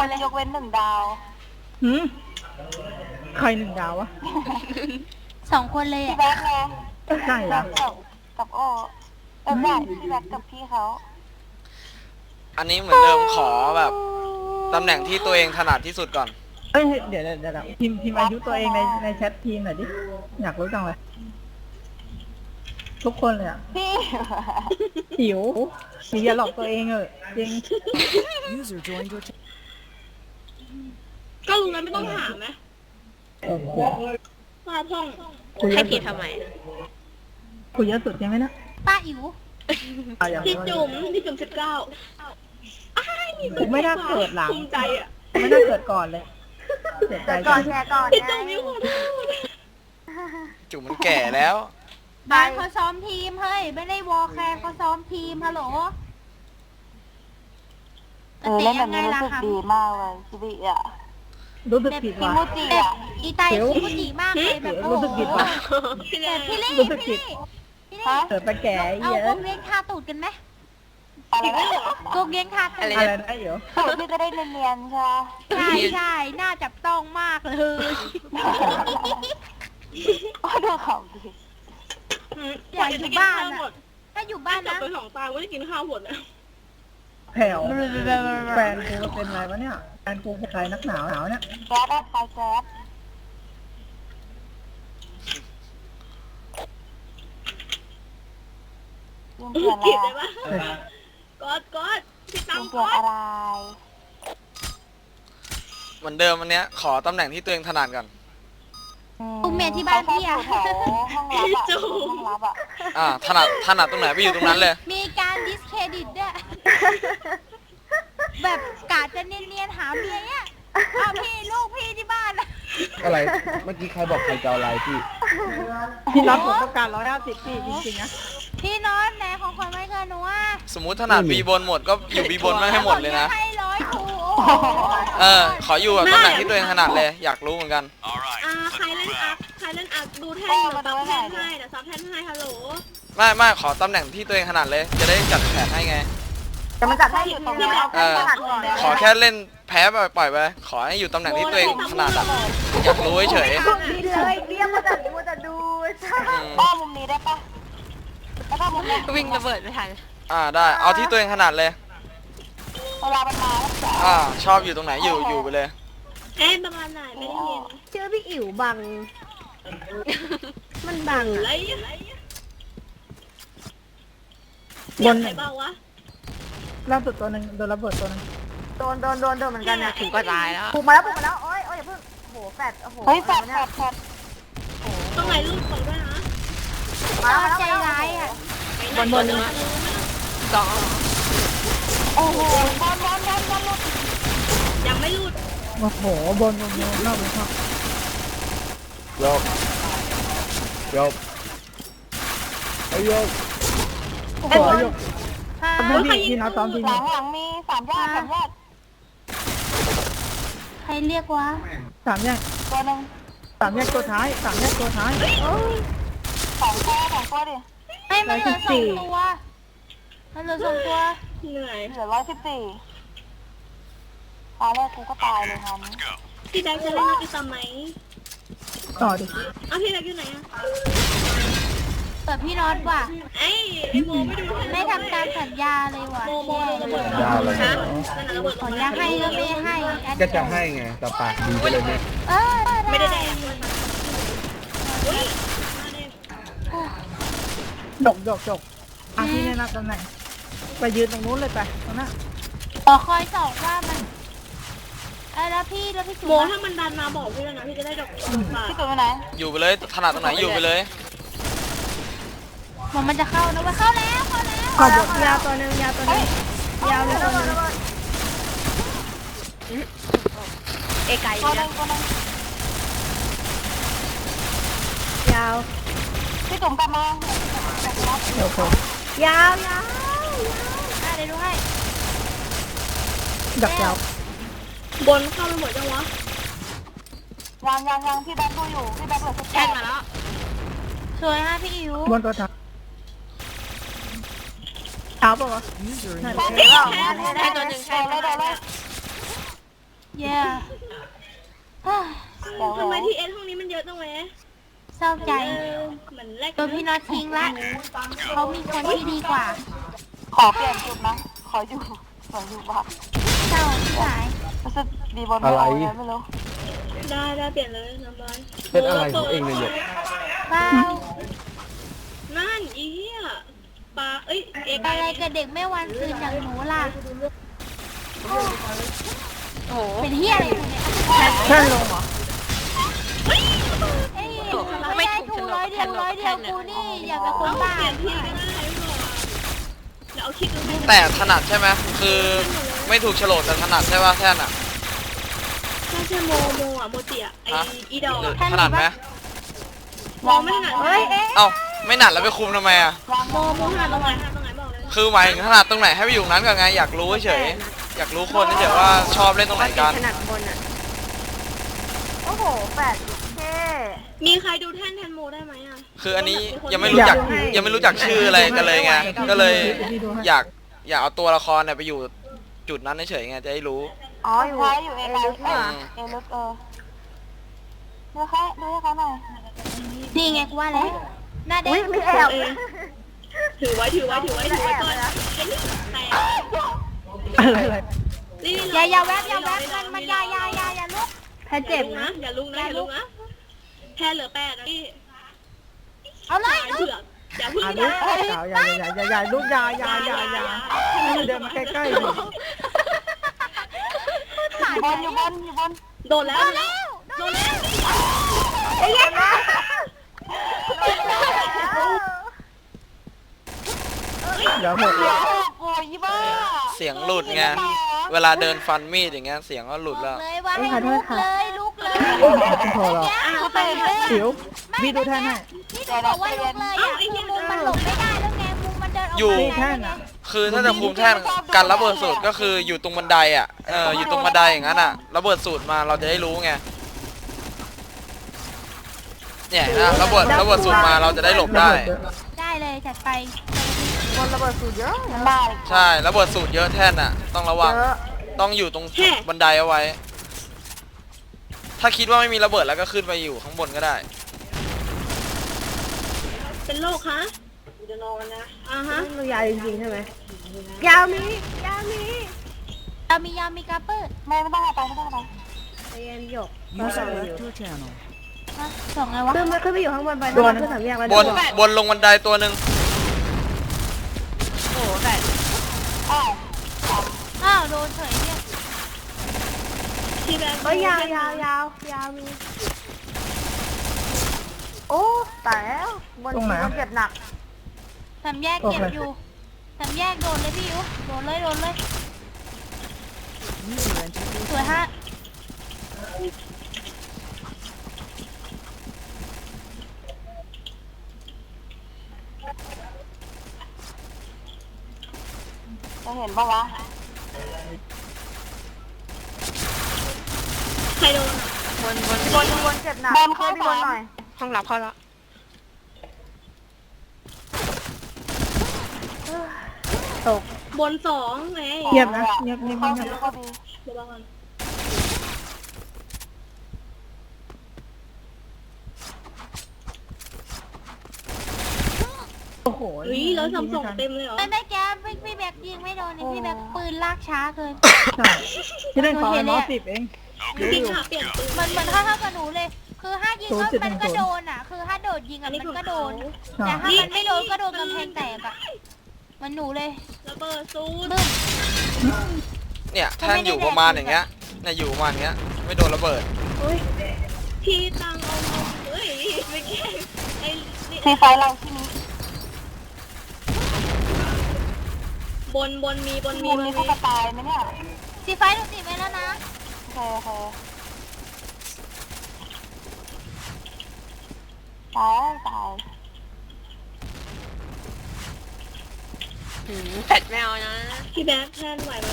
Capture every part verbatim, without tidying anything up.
คนยกเว้นหนึ่งดาวหืมใครหนึ่งดาววะสองคนเลยพี่อ่ะแบ๊กไงใช่เหรอกับโอเออได้พี่แบ๊กกับพี่เขาอันนี้เหมือนเดิมขอแบบตำแหน่งที่ตัวเองถนัดที่สุดก่อนเอ้ยเดี๋ยวเดี๋ยวเดี๋ยวพิมพ์พิมพ์อายุตัวเองในในแชททีมหน่อยดิอยากรู้จังเลยทุกคนเลยอ่ะพี่หิวอย่าหลอกตัวเองเออจริงก็รู้แล้วไม่ต้องถามนะโอ้โหป้าพ่องให้ผิดทำไมคุยเยอะสุดใช่ไหมนะป้าอิ๋วพี่จุ๋มพี่จุ๋มสิบเก้าผมไม่น่าเกิดหลังภูมิใจอ่ะไม่น่าเกิดก่อนเลยเสียใจก่อนแชร์ก่อนพี่จุ๋มไม่ขอโทษจุ๋มมันแก่แล้วบ้านเขาซ้อมทีมเฮ้ยไม่ได้วอลแคร์เขาซ้อมทีมฮัลโหลเออเล่นแบบนี้รู้สึกดีมากเลยชีวิตอ่ะรู้สึกผิดว่ะอีไตคิมุจิมากเลยแบบรู้สึกผิดว่ะแต่พี่ลี่รู้สึกผิดพี่ลี่เกิดไปแก่เอาเยอะพวกเลี้ยงทาตูดกันไหมอะไรนะพวกเลี้ยงทาตูดอะไรนะเดี๋ยวพี่จะได้เนียนๆใช่ใช่ใช่น่าจับต้องมากเลยโอ้ดูเขาดิอยากอยู่บ้านอะถ้าอยู่บ้านนะไปสองตาก็จะกินข้าวหมดนะแผ่วแฟนกูเป็นไรวะเนี่ยแฟนกูเป็นใครนักหนาวหนาวเนี่ยแก๊สได้ใครแก๊สยุ่งเกี่ยวอะไรกอดกอดพี่ตั้งกอดอะไรเหมือนเดิมอันเนี้ยขอตำแหน่งที่ตัวเองถนัดก่อนตุ้มเมียที่บ้านพี่อะห้องรับอะห้องรับอะอ่าถนัดถนัดตรงไหนไปอยู่ตรงนั้นเลยมีการดิสเครดิตด้วยแบบกาจะเนียนๆหาเมียเนี่ยเอาพี่ลูกพี่ที่บ้านอะไรเมื่อกี้ใครบอกใครจะเอาอะไรพี่พี่น็อตผมต้องการร้อยห้าสิบพี่จริงๆนะพี่น็อตแม่ของคนไม่เคยหนูว่าสมมุติถนัดบีบนหมดก็อยู่บีบนไม่ให้หมดเลยนะให้ร้อยถูเออขออยู่แบบตำแหน่งที่ตัวเองถนัดเลยอยากรู้เหมือนกันอ่าใครเล่นอัพใครเล่นอัพดูแท่นเดี๋ยวซับแท่นให้เดี๋ยวซับแท่นให้ฮัลโหลไม่ไม่ขอตำแหน่งที่ตัวเองถนัดเลยจะได้จัดแผนให้ไงจะมาจัดให้อยู่ตรงนี้เอาถนัดก่อนขอแค่เล่นแพ้ปล่อยไปขอให้อยู่ตำแหน่งที่ตัวเองถนัดอะอยากรู้เฉยดีเลยเรียกมาจัดดูจะดูป้ามุมนี้ได้ปะแล้วก็มุมนี้วิ่งระเบิดไม่ทันอ่าได้เอาที่ตัวเองถนัดเลยเวลามันมาอ่าชอบอยู่ตรงไหนอยู่อยู่ไปเลยเอ๊ะประมาณไหนไม่ได้ยินเชื่อพี่อิ๋วบังมันบังอะไรบนไหนเบาวะล่าสุดตัวหนึ่งโดนระเบิดตัวนึงโดนโดนโดนโดนเหมือนกันนะถึงก็ตายแล้วปลุกมาแล้วปลุกมาแล้วโอ้ยโอ้ยอย่าเพิ่งโหแฟดโอ้โหเฮ้ยแฟดแฟดแฟดต้องไหนรูปก่อนด้วยนะมาแล้วใจร้ายอ่ะบนบนเลยสองโอ้โหบอลบอลบอลบอลยังไม่รูดโอ้โหบนบนบนนอกบนนอกยกยกไอ้ยกโอ้โหยกทำให้พี่น้าซ้อมทีมหลังหลังมีสามยอดสามยอดใครเรียกวะสามแยกตัวหนึ่งสามแยกตัวท้ายสามแยกตัวท้ายสองตัวสองตัวดิให้มันเหลือสองตัวมันเหลือสองตัวเหนื่อยเหลือร้อยสิบสี่ตายแล้วกูก็ตายเลยครับพี่แบ๊กจะเล่นนักกีฬาไหมต่อดิเอาพี่แบ๊กอยู่ไหนอะแต่พี่น็อตว่ะไอ้ไอ้โมไม่ดูไม่ทำตามสัญญาเลยว่ะโมโมระเบิดยาเลยสัญญาให้ก็ไม่ให้ก็จะให้ไงแต่ปากดีไปเลยเนี่ยเออไม่ได้แดงจกจกจกอ่ะพี่แนะนำตำแหน่งไปยืนตรงนู้นเลยไปตรงนั้นขอคอยส่องว่ามันเออแล้วพี่แล้วพี่โมถ้ามันดันมาบอกพี่แล้วนะพี่จะได้ดอกพี่ตัวไหนอยู่ไปเลยถนัดตรงไหนอยู่ไปเลยมันมันจะเข้านะว่าเข้าแล้วเข้าแล้วขอบทยาวตัวนึงยาวตัวนึงยาวเลยตัวนึงเอไก่ยาวพี่จุ๋มกลับมาเดี๋ยวผมยาวยาวได้เลยด้วยดักยาวบนเข้าไปหมดจังวะยังยังยังพี่แบ๊กดูอยู่พี่แบ๊กเหลือสักแค่มาแล้วสวยฮะพี่อิ๋วบนตัวทับเท้าป่ะวะใช่ตัวหนึ่งใช่เลยเลยเย่เฮ้ยทำไมทีเอสห้องนี้มันเยอะจังวะเศร้าใจเออเหมือนแรกโดนพี่น็อตทิ้งละเขามีคนที่ดีกว่าขอเปลี่ยนจุดนะขออยู่ขออยู่บ้านเศร้าที่หายรู้สึกดีบนไม่เอาเลยไม่รู้ได้ได้เปลี่ยนเลยน้ำร้อยเป็นอะไรของเองเนี่ยหยกเปล่านั่นอีเหี้ยปลาเอ้ยเอกอะไรกับเด็กไม่วันคืนอย่างหนูล่ะโอ้โหเป็นเฮียอะไรกูเนี่ยแค่ลงเหรอเอ้ยไม่ได้ถูกร้อยเดียวร้อยเดียวกูนี่อย่าเป็นคนเอาบ้าเปลี่ยนทีก็ได้ไม่บอกเดี๋ยวเอาคลิปดูให้แต่ถนัดใช่ไหมคือไม่ถูกโฉลดแต่ถนัดใช่ป่ะแท่นอ่ะถ้าใช่โมโมอ่ะโมจิอ่ะไอฮะอีดอกหรืออะถนัดไหมโมไม่ถนัดเฮ้ยเอ๊ะเอ้าไม่หนัดแล้วไปคุมทำไมอ่ะโมโมถนัดตรงไหนถนัดตรงไหนบอกเลยคือหมายถึงถนัดตรงไหนให้ไปอยู่ตรงนั้นก่อนไงอยากรู้เฉยอยากรู้คนเฉยว่าชอบเล่นตรงไหนกันถนัดบนอ่ะโอ้โหแปดเท่มีใครดูแท่นแทนโมได้ไหมอ่ะคืออันนี้ยังไม่รู้จักยังไม่รู้จักชื่ออะไรกันเลยไงก็เลยอยากอยากเอาตัวละครเนี่ยไปอยู่จุดนั้นเฉยๆไงจะได้รู้อ๋ออยู่อยู่เอลึกเอเอลึกเออดูแค่ดูให้เขาหน่อยนี่ไงกูว่าแล้วหน้าเด็อุ้ยกมีแอบถือไว้ถือไว้ถือไว้ถือไว้ก่อนไอ้นี่แตกอะไรอะไรนี่อย่าอย่าแวบอย่าแวบมันมันอย่าอย่าอย่าอย่าลุกแพ้เจ็เจ็บบ นะนะอย่าลุกนะอย่าลุกนะแค่เหลือแปดนะพี่เอาเลยเถื่อนอย่าพึ่งอ่ะนะลูกอย่าอย่าอย่าอย่าอย่าลูกอย่าอย่าอย่าอย่าเดินมาใกล้ๆดิบนอยู่บนอยู่บนโดนแล้วโดนแล้วไอ้ยันนะเดี๋ยวหมดโอ้ยบ้าเสียงหลุดไงเวลาเดินฟันมีดอย่างเงี้ยเสียงก็หลุดแล้วเลยว่าให้ลุกเลยลุกเลยพอแล้วเขาไปเลยสิวพี่ดูแท่นให้ที่หนูบอกว่าลุกเลยอ่ะคือมุมมันหลบไม่ได้แล้วไงมุมมันเดินออกอยู่มาแท่นอ่ะคือถ้าจะคุมแท่นการระเบิดสูตรก็คืออยู่ตรงบันไดอ่ะเอออยู่ตรงบันไดอย่างนั้นอ่ะระเบิดสูตรมาเราจะได้รู้ไงเนี่ยนะระเบิดระเบิดสูตรมาเราจะได้หลบได้ได้เลยจัดไปบนระเบิดสูตรเยอะบ้าเลยใช่ระเบิดสูตรเยอะแท่นอ่ะ ต้องระวังเยอะต้องอยู่ตรงบันไดเอาไว้ ถ้าคิดว่าไม่มีระเบิดแล้วก็ขึ้นไปอยู่ข้างบนก็ได้เป็นโรคฮะจะนอนนะอ่าฮะมันยาวจริงๆใช่ไหมยาวมียาวมีเรามียามีกาเปอร์ไม่ไม่ต้องเอาไปไม่ต้องเอาไปเรียนหยกส่งไงวะขึ้นมาขึ้นไปอยู่ข้างบนไปโดนขึ้นสามแยกไปบนบนลงบันไดตัวหนึ่งอ้าวอ้าวโดนเฉยเนี่ยที่แบบเอ้ยยาวยาวยาวยาวมีโอ้ตายแล้วบนตรงไหนบนเจ็บหนักสามแยกเก็บอยู่สามแยกโดนเลยพี่ยูโดนเลยโดนเลยสวยฮะจะเห็นปะวะใครโดนอ่ะบนบนบนบนเจ็บหนักบนเข้าบนหน่อยห้องหลับเขาละตกบนสองไงเงียบนะเงียบเงียบเข้าเงียดีบเข้าดีเดี๋ยวบอกก่อนโอ้โหเฮ้ยแล้วทำส่งเต็มเลยเหรอไม่ไม่แกพี่พี่แบกยิงไม่โดนนี่พี่แบกปืนลากช้าเกินใช่ที่เล่นขอน้อยสิบเองจริงค่ะเปลี่ยนปืนเหมือนเหมือนถ้าเท่ากับหนูเลย คือถ้ายิงก็ศูนย์จุดหนึ่มันงก็ศูนย์โดนอ่ะ คือถ้าโดดยิงอัอ่ะนนี้มันของก็โดนใช่แต่ถ้ามันไม่โดนก็โดนกำแพงแตกอ่ะมันหนูเลยระเบิดซูดบึ้มเนี่ยแท่นอยู่ประมาณอย่างเงี้ยเนี่ยอยู่ประมาณเงี้ยไม่โดนระเบิดพี่ตังเอาเอาเฮ้ยไม่แก้ไอ้นี่ซีไฟเราที่นี้บนบนมีบนมีมีบนมีมีผู้กระตายไหมเนี่ยสีไฟหนูติดไว้แล้วนะโอเคโอเคตายตายพี่แบ๊กแทนไหวไหม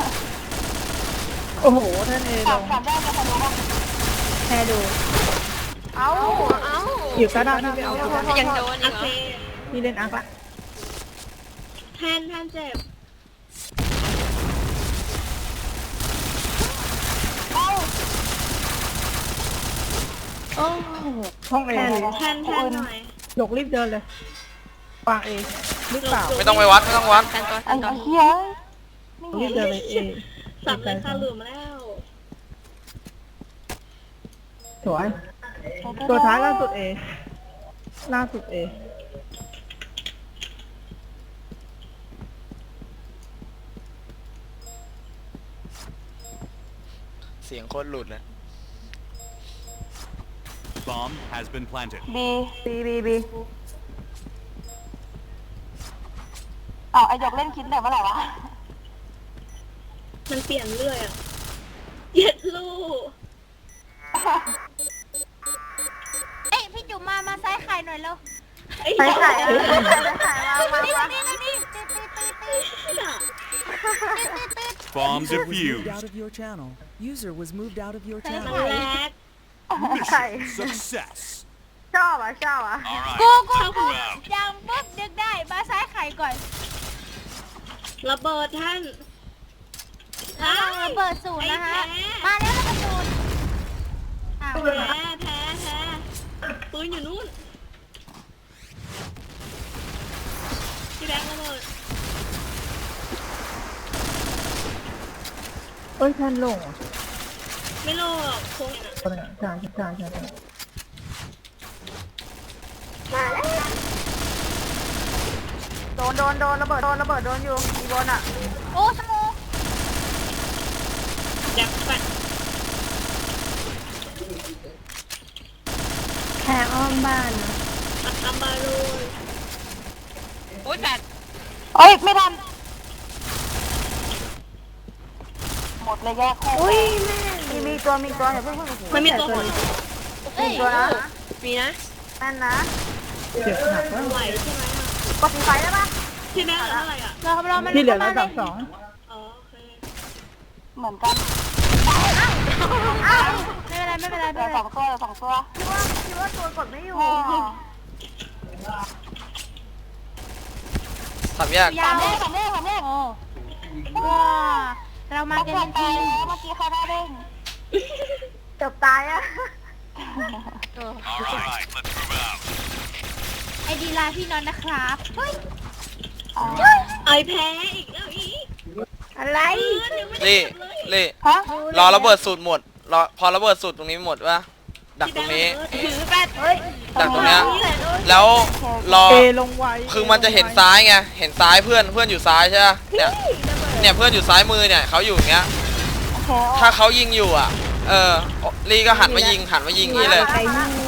โอ้โหแท่นเอลสามงสามแยกจะทะลุป่ะแค่ดูเอ้าเอ้าอยู่กระดานที่ไปเอาอยู่ยังโดนโอเคพี่เล่นอาร์คละแทนแทนเจ็บโอ้โอ้ห้องเอแทนแทนหน่อยหยกรีบเดินเลย วางเอหรือเปล่าไม่ต้องไปวัดไม่ต้องวัดแทนตัวแทไอ้นตัวเหี้ยรีบเดินเลยเอสับเลยค่ะหลุมแล้วสวยตัวท้ายล่าสุดเอล่าสุดเอเสียงโคตรหลุดเลย Bomb has been planted. บีบีบีบีอ้าวไอ้หยกเล่นคิดแต่เมื่อไหร่วะมันเปลี่ยนเรื่อยอ่ะเย็ดลูกเอ้ยพี่จุ๋มมามาซ้ายไข่หน่อยเร็วไอ้ไปเหี้ยขายไปขายไปขายมานี่มานี่นี่นี่ตีตีตีตีตีตี Bomb User was moved defused. out of your channel. User was moved out of your มัน channel. แลก Mission success. ชอบอ่ะชอบอ่ะ All กู right. กูกูยังปุ๊บดึกได้มาซ้ายไข่ก่อนระเบิดท่านระวังระเบิดศูนย์นะฮะมาแล้วระเบิดศูนย์อ้าวแพ้แพ้แพ้ปืนอยู่นู่นพี่แบงค์ระเบิดเอ้ยแทนลงอ่ะไม่โลหรอกคงอ่ะใช่ใช่ใช่ใช่ใช่โดนโดนโดนระเบิดโดนระเบิดโดนอยู่มีบนอ่ะโอ้สมูยักษ์ปัดแค่อ้อมบ้านปัดตำบาลูนโอ้ยแปดเอ้ยไม่ทันหมดเลยแยกคู่อุ้ยแม่มีมีตัวมีตัวอย่าเพิ่งเพิ่งมันมีตัวหดเอ้ยตัวนะมีนะแม่นนะเจ็บหนักแล้วไหวใช่ไหมอ่ะกดสีไฟได้ปะพี่แบงค์เหลือเท่าไหร่อ่ะเราเรามันที่เหลือแล้วสามสองอ๋อโอเคเหมือนกันอ้าวไม่เป็นไรไม่เป็นไรเหลืไม่อเป็นสไรองตัวเหลือสองตัวคิดว่าคิดว่าตัวกดไม่อยู่สามแยกยาวสามเลขสามเลขสามเลขโอ้ว้าเรามากันเป็นทีมเมื่อกี้ใครได้เด้งจบตายอ่ะ All right. Let's move out. ไอดีไลน์พี่นอนนะครับเฮ้ยไอแพ้อีกแล้วอีกอะไรลี่ลี่ฮะรอระเบิดสูตรหมดรอพอระเบิดสูตรตรงนี้หมดปะดักตรงนี้ถือแปดเฮ้ยดักตรงเนี้ยแล้วรอเอลงไวคือมันจะเห็นซ้ายไงเห็นซ้ายเพื่อนเพื่อนอยู่ซ้ายใช่ปะเนี่ยเนี่ยเพื่อนอยู่ซ้ายมือเนี่ยเขาอยู่อย่างเงี้ยโอเคถ้าเขายิงอยู่อ่ะ เออลี่ก็หันมายิงหันมายิงนี่เลยไอ้นู่น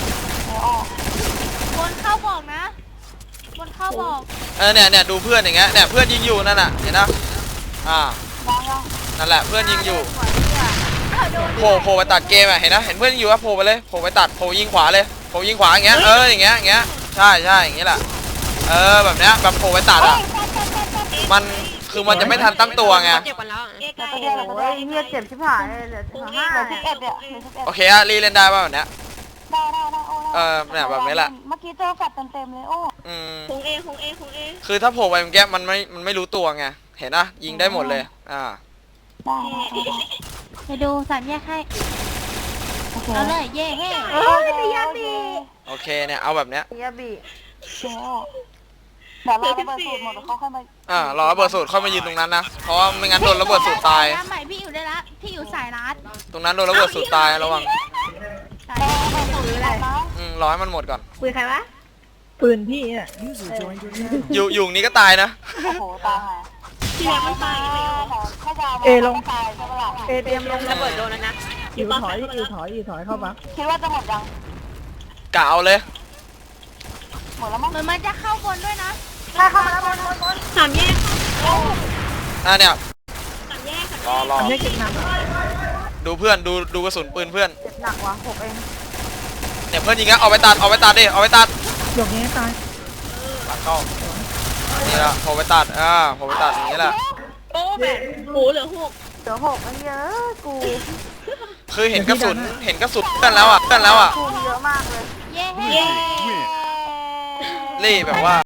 บนเข้าบอกนะบนเข้าบอกเออเนี่ยเนี่ยดูเพื่อนอย่างเงี้ยเนี่ยเพื่อนยิงอยู่นั่นน่ะเห็นนะอ่านั่นแหละเพื่อนยิงอยู่อ้าวโดนโผล่โผล่ไปตัดเกมอ่ะเห็นนะเห็นเพื่อนยิงอยู่ว่าโผล่ไปเลยโผล่ไปตัดโผล่ยิงขวาเลยโผล่ยิงขวาอย่างเงี้ยเอออย่างเงี้ยอย่างเงี้ยใช่ใช่อย่างเงี้ยแหละเออแบบเนี้ยแบบโผล่ไปตัดอ่ะมันคือมันจะไม่ทันตั้งตัวไงเจ็บกันแล้วเอกไก่ตัวเดียวโอ้ยเงียเจ็บชิบหายเลยเหลือห้าเหลือสิบเอ็ดเนี่ยเหลือสิบเอ็ดโอเคอะรีเล่นได้ป่ะแบบเนี้ยได้ได้ได้โอ้เออเนี่ยแบบนี้แหละเมื่อกี้เจอแฟดเต็มๆเลยโอ้อืมคงเอคงเอคงเอคือถ้าโผล่ไปเมื่อกี้มันไม่มันไม่รู้ตัวไงเห็นนะยิงได้หมดเลยอ่าได้ไปดูสามแยกให้โอเคเอาเลยเย่เฮ้เอ้ยมียาบีโอเคเนี่ยเอาแบบเนี้ยมียาบีเดี๋ยวเราระเบิดสูตรหมดเขาค่อยมาอ่ารอระเบิดสูตรเข้ามายืนตรงนั้นนะเพราะว่าไม่งั้นโดนระเบิดสูตรตายน้ำใหม่พี่อยู่ได้ละพี่อยู่สายรัดตรงนั้นโดนระเบิดสูตรตายระวังสายระเบิดสูตรอะไรอืมรอให้มันหมดก่อนคุยใครวะปืนพี่เนี่ย User joined your channel. อยู่อยู่นี้ก็ตายนะโอ้โหตายหาพี่แบงค์มันตายไปเหรอข้าจะเอลงตายใช่ปะล่ะเอเตรียมลงระเบิดโดนแล้วนะอยู่ถอยอยู่ถอยอยู่ถอยเข้าบักคิดว่าจะหมดยังกะเอาเลยหมดแล้วมั้งเหมือนมันจะเข้าบนด้วยนะได้เข้ามาแล้วบนบนบนสามแยกอ่าเนี่ยสามแยกรอรออันนี้เก็บหนักดูเพื่อนดูดูกระสุนปืนเพื่อนเจ็บหนักว่ะหกเองเนี่ยเพื่อนยิงอะเอาไปตัดเอาไปตัดดิเอาไปตัดหยกนี้ตายหลังเข้านี่ละโผล่ไปตัดอ่าโผล่ไปตัดอย่างนี้แหละโอ้แบบโหเหลือหกเหลือหกไอ้เยอะกูคือเห็นกระสุนเห็นกระสุนเพื่อนแล้วอ่ะเพื่อนแล้วอ่ะกูเยอะมากเลยเย่เฮ้เย้ลี่แบบว่า